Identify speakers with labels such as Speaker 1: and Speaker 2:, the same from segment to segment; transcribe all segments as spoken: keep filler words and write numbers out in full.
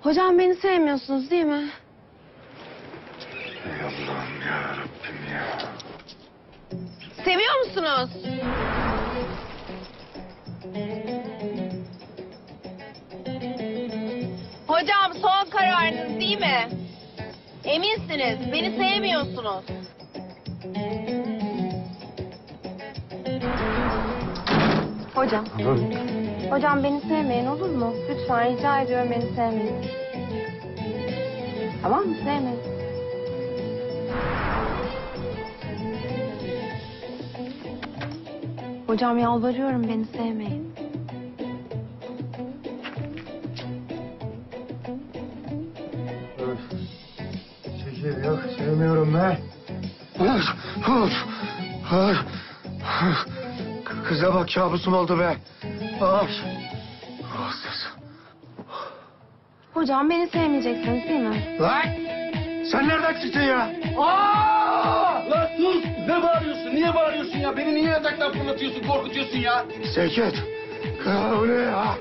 Speaker 1: Hocam beni sevmiyorsunuz değil mi?
Speaker 2: Ey Allah'ım ya Rabbim ya.
Speaker 1: Seviyor musunuz? Hocam son kararınız değil mi? Eminsiniz beni sevmiyorsunuz. Hocam. Hocam beni sevmeyin olur mu? Lütfen rica ediyorum beni sevmeyin. Tamam mı? Sevmeyin. Hocam yalvarıyorum beni sevmeyin.
Speaker 2: Öf. Çekil yok sevmiyorum ben. Öf, öf, öf. Kıza bak kabusum oldu be. Ay. Rahatsız.
Speaker 1: Hocam beni sevmeyeceksiniz değil mi?
Speaker 2: Lan! Sen nereden çıktın ya?
Speaker 3: Aa! Lan sus! Ne bağırıyorsun? Niye bağırıyorsun ya? Beni niye yataktan fırlatıyorsun, korkutuyorsun ya?
Speaker 2: Sevket. Ya, o ne ya?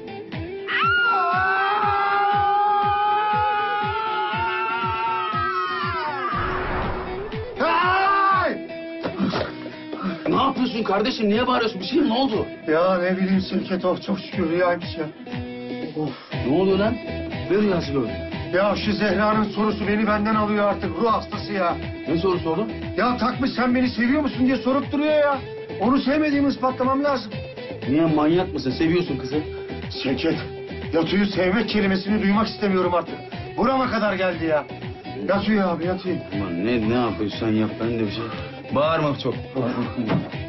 Speaker 2: Ay!
Speaker 3: Ne yapıyorsun kardeşim? Niye bağırıyorsun? Bir şey mi? Ne oldu?
Speaker 2: Ya ne bileyim Sevket, oh çok şükür rüyaymış ya. Of.
Speaker 3: Ne oluyor lan? Ne rüyası gördün?
Speaker 2: Ya şu Zehra'nın sorusu beni benden alıyor artık, ruh hastası ya.
Speaker 3: Ne soru sordun?
Speaker 2: Ya takmış sen beni seviyor musun diye sorup duruyor ya. Onu sevmediğimi ispatlamam lazım.
Speaker 3: Niye, manyak mısın? Seviyorsun kızı.
Speaker 2: Sevket, Yatu'yu sevmek kelimesini duymak istemiyorum artık. Burama kadar geldi ya. Yatu'yu abi, Yatu'yu.
Speaker 3: Aman ne, ne yapıyorsan yap. Ben de bir şey... Bağırma çok.